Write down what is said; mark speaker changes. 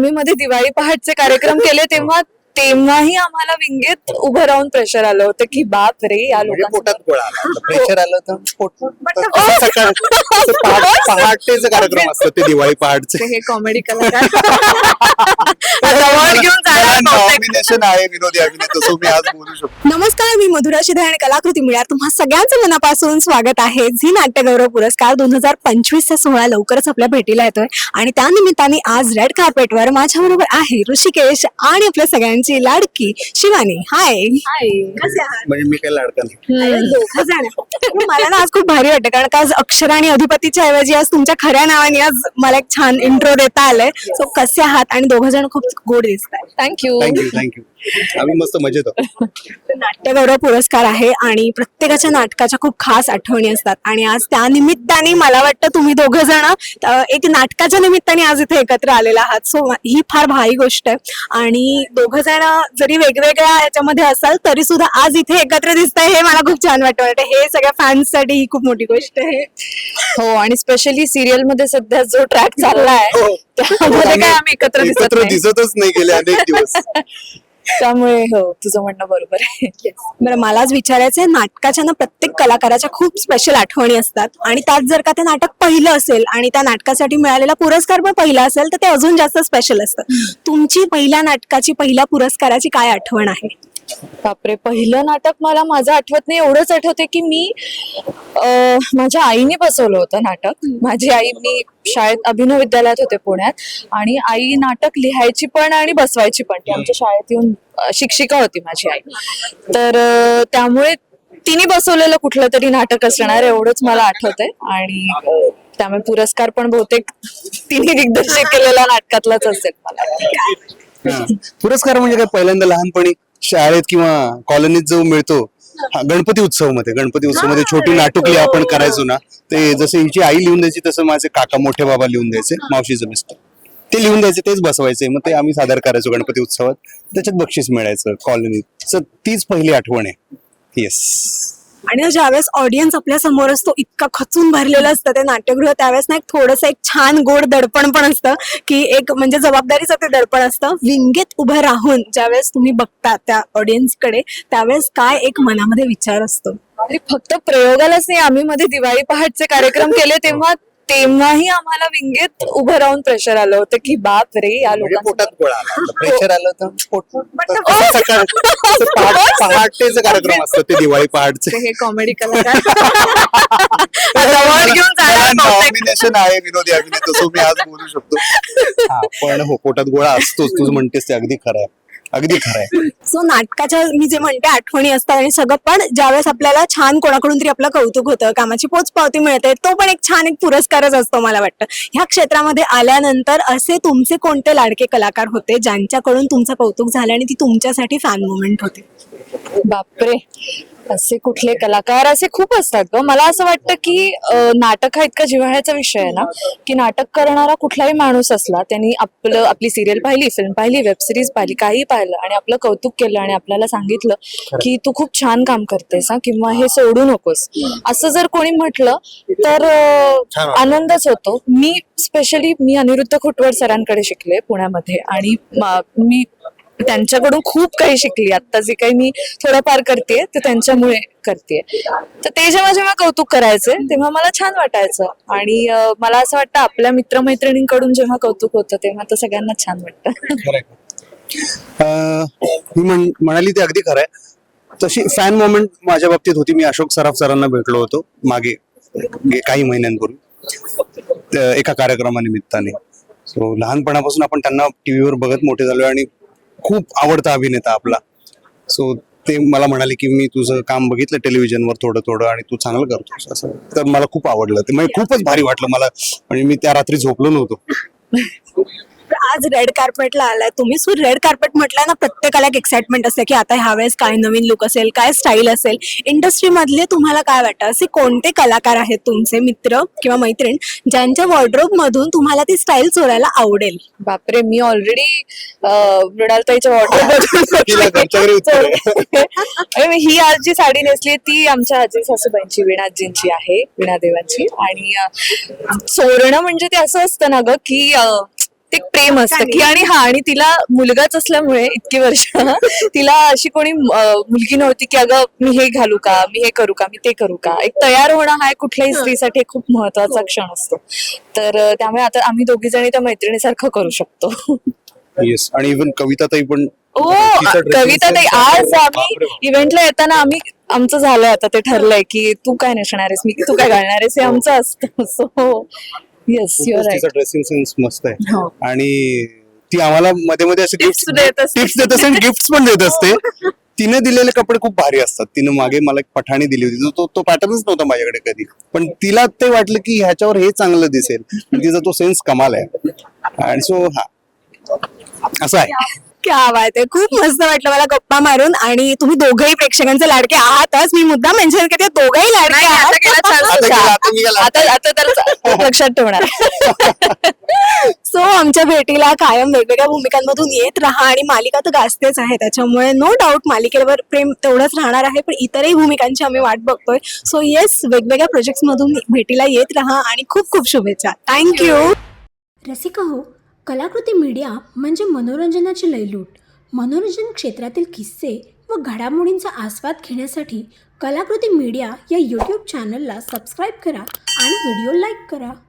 Speaker 1: आम्ही मध्ये दिवाळी पहाटचे कार्यक्रम केले तेव्हाही आम्हाला विंगेत उभं राहून प्रेशर आलं होतं की बाप रे या
Speaker 2: म्हणजे
Speaker 1: लोकांना
Speaker 2: पोटात गोळा आला प्रेशर आलं तर पहाटेचे कार्यक्रम असतात ते दिवाळी पहाटचे.
Speaker 1: हे कॉमेडी कलाकार जवळ घेऊन जाणार बहुतेक.
Speaker 2: नॉमिनेशन आहे विनोदी अभिनेता, सो मी आज बोलू शकतो.
Speaker 3: नमस्कार, मी मधुरा शिधे आणि कलाकृती मिळ्यात तुम्हा सगळ्यांचं मनापासून स्वागत आहे. झी नाट्यगौरव पुरस्कार 2025 चा सोहळा लवकरच आपल्या भेटीला येतोय आणि त्या निमित्ताने आज रेड कार्पेटवर माझ्या बरोबर आहे ऋषिकेश आणि आपल्या सगळ्यांची लाडकी शिवानी. हाय, कसे आहात?
Speaker 2: म्हणजे मी काही लाडका नाही.
Speaker 3: अरे, दोघं जण. मला ना आज खूप भारी वाटतं कारण का आज अक्षर आणि अधिपतीच्या ऐवजी आज तुमच्या खऱ्या नावाने आज मला एक छान इंट्रो देता आलंय. सो कसे आहात? आणि दोघं जण खूप गोड दिसत आहेत.
Speaker 1: थँक्यू.
Speaker 2: थँक्यू. आम्ही मस्त मजेत आहोत.
Speaker 3: नाट्यगौरव पुरस्कार आहे आणि प्रत्येकाच्या नाटकाच्या खूप खास आठवणी असतात आणि आज त्या निमित्ताने मला वाटतं तुम्ही दोघं जण एक नाटकाच्या निमित्ताने आज इथे एकत्र आलेला आहात. सो ही फार भारी गोष्ट आहे आणि दोघं जण जरी वेगवेगळ्या ह्याच्यामध्ये असाल तरी सुद्धा आज इथे एकत्र दिसतंय हे मला खूप छान वाटतं. हे सगळ्या फॅन्ससाठी ही खूप मोठी गोष्ट आहे.
Speaker 1: हो, आणि स्पेशली सिरियल मध्ये सध्या जो ट्रॅक चाललाय
Speaker 2: हो.
Speaker 1: त्यामध्ये काय आम्ही एकत्र
Speaker 2: दिसतच नाही गेले अनेक दिवस.
Speaker 1: त्यामुळे हो, तुझं म्हणणं बरोबर आहे.
Speaker 3: बरं, मला आज विचारायचंय, नाटकाच्या ना प्रत्येक कलाकाराच्या खूप स्पेशल आठवणी असतात आणि त्यात जर का ते नाटक पहिलं असेल आणि त्या नाटकासाठी मिळालेला पुरस्कार पण पहिला असेल तर ते अजून जास्त स्पेशल असतं. तुमची पहिल्या नाटकाची, पहिल्या पुरस्काराची काय आठवण आहे?
Speaker 1: बापरे, पहिलं नाटक मला माझं आठवत नाही. एवढंच आठवते की मी माझ्या आईने बसवलं होतं नाटक. माझी आई, मी शाळेत अभिनव विद्यालयात होते पुण्यात आणि आई नाटक लिहायची पण आणि बसवायची पण. ती आमच्या शाळेत येऊन शिक्षिका होती माझी आई. तर त्यामुळे तिने बसवलेलं कुठलं तरी नाटक असणार एवढंच मला आठवतंय आणि त्यामुळे पुरस्कार पण बहुतेक तिने दिग्दर्शित केलेल्या नाटकातलाच असेल मला.
Speaker 2: पुरस्कार म्हणजे काय, पहिल्यांदा लहानपणी शाळेत किंवा कॉलनीत जो मिळतो, गणपती उत्सव मध्ये छोटी नाटुकली आपण करायचो ना, ते जसं हिची आई लिहून द्यायची तसं माझे काका मोठे बाबा लिहून द्यायचे, मावशीचं मिस्टर ते लिहून द्यायचे, तेच बसवायचे, मग ते आम्ही सादर करायचो गणपती उत्सवात. त्याच्यात बक्षीस मिळायचं कॉलनीत. तीच पहिली आठवण आहे. येस.
Speaker 3: आणि ज्यावेळेस ऑडियन्स आपल्या समोर असतो, इतका खचून भरलेलं असतं ते नाट्यगृह, त्यावेळेस ना एक थोडंसं एक छान गोड दडपण पण असतं की एक म्हणजे जबाबदारीचं ते दडपण असतं. विंगेत उभं राहून ज्यावेळेस तुम्ही बघता त्या ऑडियन्सकडे त्यावेळेस काय एक मनामध्ये विचार असतो?
Speaker 1: अरे, फक्त प्रयोगालाच नाही, आम्ही मध्ये दिवाळी पहाटचे कार्यक्रम केले तेव्हाही आम्हाला विंगेत उभं राहून प्रेशर आलं होतं की बाप रे या
Speaker 2: म्हणजे
Speaker 1: लोकांना.
Speaker 2: पोटात गोळा आला प्रेशर आलं तर पहाटेचे कार्यक्रम असतात ते दिवाळी पहाटचे.
Speaker 1: हे कॉमेडी कलाकार जवळ घेऊन जाणार बहुतेक.
Speaker 2: नॉमिनेशन आहे विनोदी अभिनेता, सो मी आज बोलू शकतो. पण हो, पोटात गोळा असतोच. तू म्हणतेस ते अगदी खरं आहे, अगदी खरं आहे.
Speaker 3: सो नाटकाच्या मी जे म्हणते आठवणी असतात आणि सगळं, पण ज्यावेळेस आपल्याला छान कोणाकडून तरी आपलं कौतुक होतं, कामाची पोचपावती मिळते, तो पण एक छान एक पुरस्कारच असतो मला वाटतं. ह्या क्षेत्रामध्ये आल्यानंतर असे तुमचे कोणते लाडके कलाकार होते ज्यांच्याकडून तुमचं कौतुक झालं आणि ती तुमच्यासाठी फॅन मोमेंट होती?
Speaker 1: बापरे, असे कुठले कलाकार, असे खूप असतात ग. मला असं वाटतं की नाटक हा इतका जिव्हाळ्याचा विषय आहे ना की नाटक करणारा कुठलाही माणूस असला, त्यांनी आपली सिरियल पाहिली, फिल्म पाहिली, वेब सिरीज पाहिली, काही पाहिलं आणि आपलं कौतुक केलं आणि आपल्याला सांगितलं की तू खूप छान काम करतेस हा, किंवा हे सोडू नकोस, असं जर कोणी म्हटलं तर आनंदच होतो. मी अनिरुद्ध खोटवर सरांकडे शिकले पुण्यामध्ये आणि मी त्यांच्याकडून खूप काही शिकली. आता जे काही मी थोडंफार करते ते त्यांच्यामुळे करते. तर ते जेव्हा कौतुक करायचे तेव्हा मला छान वाटायचं आणि मला असं वाटतं आपल्या मित्रमैत्रिणींकडून जेव्हा कौतुक होतं तेव्हा तर सगळ्यांना छान वाटतं.
Speaker 2: मी म्हणाली ते अगदी खरं आहे. तशी फॅन मोमेंट माझ्या बाबतीत होती. मी अशोक सराफ सरांना भेटलो होतो मागे काही महिन्यांपूर्वी एका कार्यक्रमानिमित्ताने. सो लहानपणापासून आपण त्यांना टीव्हीवर बघत मोठे झालो आणि खूप आवडता अभिनेता आपला. सो ते मला म्हणाले की मी तुझं काम बघितलं टेलिव्हिजनवर थोडं आणि तू चांगलं करतोस असं. तर मला खूप आवडलं ते, म्हणजे खूपच भारी वाटलं मला. म्हणजे मी त्या रात्री झोपलो नव्हतो.
Speaker 3: आज रेड कार्पेटला आलाय तुम्ही. सो रेड कार्पेट म्हटलं ना, प्रत्येकाला एक एक्साइटमेंट असते की आता ह्यावेळेस काय नवीन लुक असेल, काय स्टाईल असेल. इंडस्ट्री मधले तुम्हाला काय वाटतं, असे कोणते कलाकार आहेत तुमचे मित्र किंवा मैत्रीण ज्यांच्या वॉर्डरोब मधून तुम्हाला ती स्टाईल चोरायला आवडेल?
Speaker 1: बापरे, मी ऑलरेडी मृणालताईच्या वॉर्डरोब ही आज जी साडी नेसली ती आमच्या आजी सासूबाईंची, वीणाजींची आहे, वीणादेवांची. आणि चोरणं म्हणजे ते असं असतं ना ग की ते एक प्रेम असतं की आणि तिला मुलगाच असल्यामुळे इतकी वर्ष तिला अशी कोणी मुलगी नव्हती की अगं मी हे घालू का, मी हे करू का, मी ते करू का. एक तयार होणं हा कुठल्याही स्त्रीसाठी एक खूप महत्वाचा क्षण असतो. तर त्यामुळे आता आम्ही दोघी जणी त्या मैत्रिणीसारखं करू शकतो.
Speaker 2: येस, आणि इव्हन कविताताई पण
Speaker 1: ओ
Speaker 2: तिचा dressing
Speaker 1: कविता ताई,
Speaker 2: sense
Speaker 1: आज
Speaker 2: बापरे
Speaker 1: आम्ही
Speaker 2: बाप.
Speaker 1: इव्हेंटला येताना आमचं झालंय आता ते ठरलंय की तू काय नेसणार आहेस, तू काय घालणार आहेस, हे आमचं असतं. सो येस युअर
Speaker 2: खूपच तिचा
Speaker 1: राईट.
Speaker 2: ड्रेसिंग सेन्स मस्त आहे.
Speaker 1: हो.
Speaker 2: आणि ती आम्हाला मध्ये मध्ये असे
Speaker 1: Tips देत असते.
Speaker 2: टिप्स देत असते आणि गिफ्ट पण देत असते. तिने दिलेले कपडे खूप भारी असतात. तिने मागे मला एक पठाणी दिली होती, तो पॅटर्नच नव्हता माझ्याकडे कधी, पण तिला ते वाटलं की ह्याच्यावर हे चांगलं दिसेल. तिचा तो सेन्स कमाल आहे. आणि सो हा असं आहे.
Speaker 3: क्या बात आहे, खूप मस्त वाटलं मला गप्पा मारून. आणि तुम्ही दोघंही प्रेक्षकांचे लाडके आहातच. मी मुद्दा मेन्शन करते, दोघंही लाडके
Speaker 1: आता
Speaker 3: आहात.
Speaker 1: गेला chance
Speaker 2: आता
Speaker 1: तुझा.
Speaker 2: गेला, आता निघाला.
Speaker 1: आता तर लक्षात ठेवणार.
Speaker 3: सो आमच्या भेटीला कायम वेगवेगळ्या भूमिकांमधून येत राहा. आणि मालिका तर गाजतेच आहे, त्याच्यामुळे नो डाऊट मालिकेवर प्रेम तेवढंच राहणार आहे, पण इतरही भूमिकांची आम्ही वाट बघतोय. सो येस, वेगवेगळ्या प्रोजेक्ट्स मधून भेटीला येत राहा आणि खूप खूप शुभेच्छा. थँक्यू.
Speaker 4: रसिका हो, कलाकृती मीडिया म्हणजे मनोरंजनाची लयलूट. मनोरंजन क्षेत्रातील किस्से व घडामोडींचा आस्वाद घेण्यासाठी कलाकृती मीडिया या यूट्यूब चॅनलला सबस्क्राईब करा आणि व्हिडिओ लाईक करा.